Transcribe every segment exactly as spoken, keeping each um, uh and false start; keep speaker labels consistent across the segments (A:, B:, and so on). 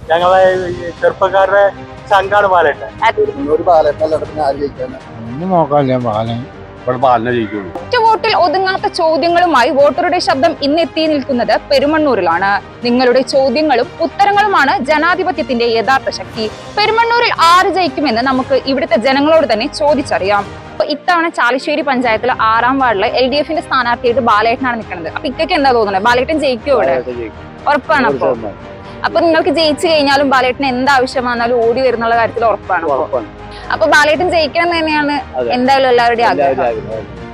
A: ഞങ്ങളെ ചെറുപ്പക്കാരുടെ സംഘാണ് ബാലേട്ടൻ.
B: ഒന്നും നോക്കാനില്ല, ബാലൻ ഇവിടെ ബാലനെ ജയിക്കുള്ളൂ.
C: ഒറ്റ വോട്ടിൽ ഒതുങ്ങാത്ത ചോദ്യങ്ങളുമായി വോട്ടറുടെ ശബ്ദം ഇന്ന് എത്തി നിൽക്കുന്നത് പെരുമണ്ണൂരിലാണ്. നിങ്ങളുടെ ചോദ്യങ്ങളും ഉത്തരങ്ങളുമാണ് ജനാധിപത്യത്തിന്റെ യഥാർത്ഥ ശക്തി. പെരുമണ്ണൂരിൽ ആര് ജയിക്കുമെന്ന് നമുക്ക് ഇവിടുത്തെ ജനങ്ങളോട് തന്നെ ചോദിച്ചറിയാം. അപ്പൊ ഇത്തവണ ചാലിശ്ശേരി പഞ്ചായത്തിലെ ആറാം വാർഡിലെ എൽ ഡി എഫിന്റെ സ്ഥാനാർത്ഥിയായിട്ട് ബാലേട്ടനാണ് നിൽക്കുന്നത്. അപ്പൊ ഇക്കൊക്കെ എന്താ തോന്നുന്നത്? ബാലേട്ടൻ ജയിക്കുമോ ഇവിടെ? ഉറപ്പാണ്. അപ്പൊ അപ്പൊ നിങ്ങൾക്ക് ജയിച്ചു കഴിഞ്ഞാലും ബാലേട്ടന് എന്താവശ്യം വന്നാലും ഓടി വരുന്നുള്ള കാര്യത്തിൽ ഉറപ്പാണ്. അപ്പൊ ബാലേട്ടൻ ജയിക്കണം എന്ന് തന്നെയാണ് എന്തായാലും എല്ലാവരുടെയും ആഗ്രഹം.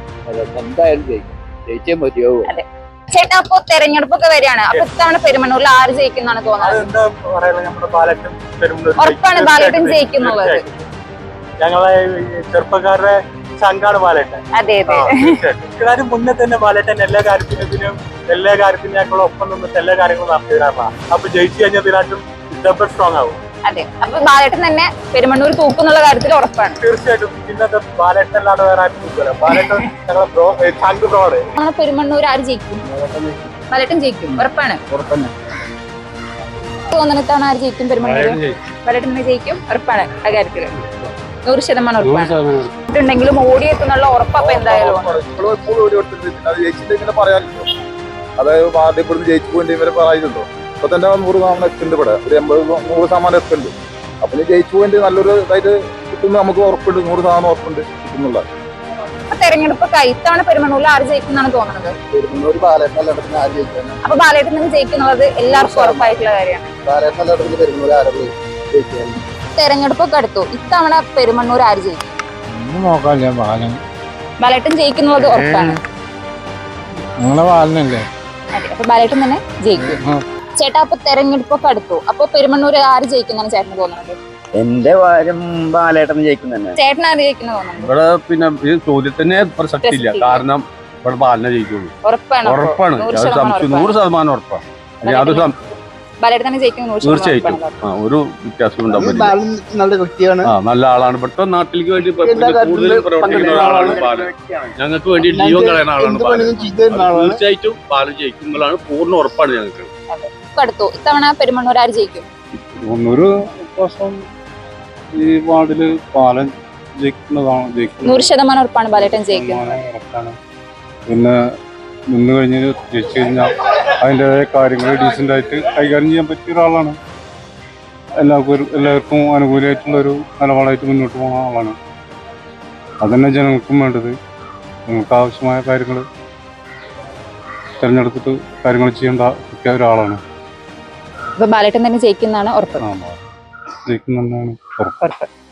C: അതെ ചേട്ടാ, അപ്പൊ തെരഞ്ഞെടുപ്പൊക്കെ വരികയാണ്. അപ്പൊ ഇത്തവണ പെരുമണ്ണൂരിൽ ആര് ജയിക്കുന്നാണ് തോന്നുന്നത്? ഉറപ്പാണ് ബാലേട്ടൻ ജയിക്കുന്നുള്ളത്.
A: ഞങ്ങളെ ചെറുപ്പക്കാരുടെ സംഘാണ് ബാലേട്ടൻ.
C: അതെ അതെ,
A: കാര്യം മുന്നേ തന്നെ ബാലേട്ടൻ എല്ലാ കാര്യത്തിനും എല്ലാ കാര്യത്തിനേക്കാളും ഒപ്പം നിന്നിട്ട് എല്ലാ കാര്യങ്ങളും നടത്തിയതാണ്. അപ്പൊ ജയിച്ചു കഴിഞ്ഞാൽ ഇതിനായിട്ടും ഡബിൾ സ്ട്രോങ് ആവും.
C: അതെ, അപ്പൊ ബാലേട്ടൻ തന്നെ പെരുമണ്ണൂർ തൂക്കുന്നുള്ള കാര്യത്തിൽ ഉറപ്പാണ്.
A: തീർച്ചയായിട്ടും. ഇന്നത്തെ ബാലേട്ടൻ അല്ലാതെ വേറെ ആരും തൂക്കില്ല. ബാലേട്ടൻ ഞങ്ങളെ ചങ്ക് ബ്രോഡ്.
C: നമ്മളെ പെരുമണ്ണൂർ ആര് ജയിക്കും? ബാലേട്ടൻ ജയിക്കും, ഉറപ്പാണ്. തോന്നണത്താണ് ആര് ജയിക്കും? പെരുമണ്ണൂർ ബാലേട്ടൻ തന്നെ ജയിക്കും, ഉറപ്പാണ്. ആ കാര്യത്തില് നൂറ് ശതമാനം ഉറപ്പാണ്. ുണ്ടെങ്കിലും ഓടിയെത്തുന്നുള്ള ഉറപ്പ എന്തായാലും
D: അതായത് പാർട്ടി ഇവിടുന്ന് ജയിച്ചു പോയി ഇവരെ പറയുന്നുണ്ടോ? ഇപ്പൊ തന്നെ നൂറ് ശതമാനം എത്തുന്നുണ്ട്. ഇവിടെ ഒരു എൺപത് നൂറ് ശതമാനം എത്തുന്നുണ്ട്. അപ്പൊ ജയിച്ചു പോയിട്ട് നല്ലൊരു ഇതായിട്ട് കിട്ടുന്ന നമുക്ക് ഉറപ്പുണ്ട്, നൂറ് ശതമാനം ഉറപ്പുണ്ട് കിട്ടുന്നുള്ള.
C: തെരഞ്ഞെടുപ്പൊക്കെ ഇത്തവണ പെരുമണ്ണൂരിൽ ആര് ജയിക്കുന്നാണ് തോന്നുന്നത്?
D: പെരുമണ്ണൂർ ബാലേട്ടൻ എല്ലായിടത്തും ആര് ജയിക്കാൻ?
C: അപ്പൊ ബാലേട്ടൻ തന്നെ ജയിക്കുന്നുള്ളത് എല്ലാവർക്കും ഉറപ്പായിട്ടുള്ള കാര്യമാണ്.
D: ബാലേട്ടൻ എല്ലായിടത്തും പെരുമണ്ണൂർ ആരും ജയിക്കാൻ.
C: തെരഞ്ഞെടുപ്പൊക്കെ അടുത്തു. ഇത്തവണ പെരുമണ്ണൂർ ആര് ജയിക്കും?
B: ഒന്നും നോക്കാനില്ല, ബാലൻ
C: ബാലേട്ടൻ ജയിക്കുന്നുള്ളത് ഉറപ്പാണ്.
B: നിങ്ങളെ ബാലനല്ലേ?
C: അതെ, അപ്പൊ ബാലേട്ടൻ തന്നെ ജയിക്കും. ചേട്ടാ, അപ്പൊ തെരഞ്ഞെടുപ്പൊക്കെ അടുത്തു. അപ്പൊ പെരുമണ്ണൂർ ആര് ജയിക്കുന്നതാണ് ചേട്ടന് തോന്നുന്നത്?
E: എന്റെ കാര്യം ബാലേട്ടൻ ജയിക്കും തന്നെ.
C: ചേട്ടൻ ആര് ജയിക്കുന്ന തോന്നുന്നത്?
B: ഇവിടെ പിന്നെ ഈ ചോദ്യത്തിന് പ്രസക്തി ഇല്ല. കാരണം ഇവിടെ ബാലനെ ജയിക്കുള്ളൂ.
C: ഉറപ്പാണ്.
B: ഉറപ്പാണ്, നൂറ് ശതമാനം ഉറപ്പാണ്. അത്
C: ബാലേട്ടൻ തന്നെ ജയിക്കുന്ന
B: തീർച്ചയായിട്ടും. ആ ഒരു വ്യത്യാസം ഉണ്ടാവും.
D: നല്ല വ്യക്തിയാണ്,
B: നല്ല ആളാണ്. ഇവിടുത്തെ നാട്ടിലേക്ക് വേണ്ടി കൂടുതൽ പ്രവർത്തിക്കുന്ന ഒരാളാണ് ബാലൻ. ഞങ്ങൾക്ക് വേണ്ടി ജീവൻ കളയുന്ന ആളാണ് ബാലൻ. തീർച്ചയായിട്ടും ബാലൻ ജയിക്കുന്നതാണ് പൂർണ്ണ ഉറപ്പാണ് ഞങ്ങൾക്ക്.
C: അടുത്തു. ഇത്തവണ പെരുമണ്ണൂർ ആര് ജയിക്കും?
B: ഒരു ദിവസം ഈ വാർഡില് ബാലൻ ജയിക്കുന്നതാണ്.
C: നൂറ് ശതമാനം ഉറപ്പാണ് ബാലേട്ടൻ ജയിക്കും.
B: പിന്നെ നിന്ന് കഴിഞ്ഞ് ജയിച്ചു കഴിഞ്ഞാൽ അതിൻ്റെതായ കാര്യങ്ങൾ ഡീസൻ്റ് ആയിട്ട് കൈകാര്യം ചെയ്യാൻ പറ്റിയ ഒരാളാണ്. എല്ലാവർക്കും എല്ലാവർക്കും അനുകൂലമായിട്ടുള്ള ഒരു നിലപാടായിട്ട് മുന്നോട്ട് പോകുന്ന ആളാണ്. അതന്നെ ജനങ്ങൾക്കും വേണ്ടത്. നിങ്ങൾക്ക് ആവശ്യമായ കാര്യങ്ങൾ തിരഞ്ഞെടുത്തിട്ട് കാര്യങ്ങൾ ചെയ്യേണ്ട പറ്റിയ ഒരാളാണ്.
C: ബാലേട്ടൻ തന്നെ ജയിക്കുന്നതാണ് ഉറപ്പ്.
B: ജയിക്കുന്നതാണ് ഉറപ്പ്.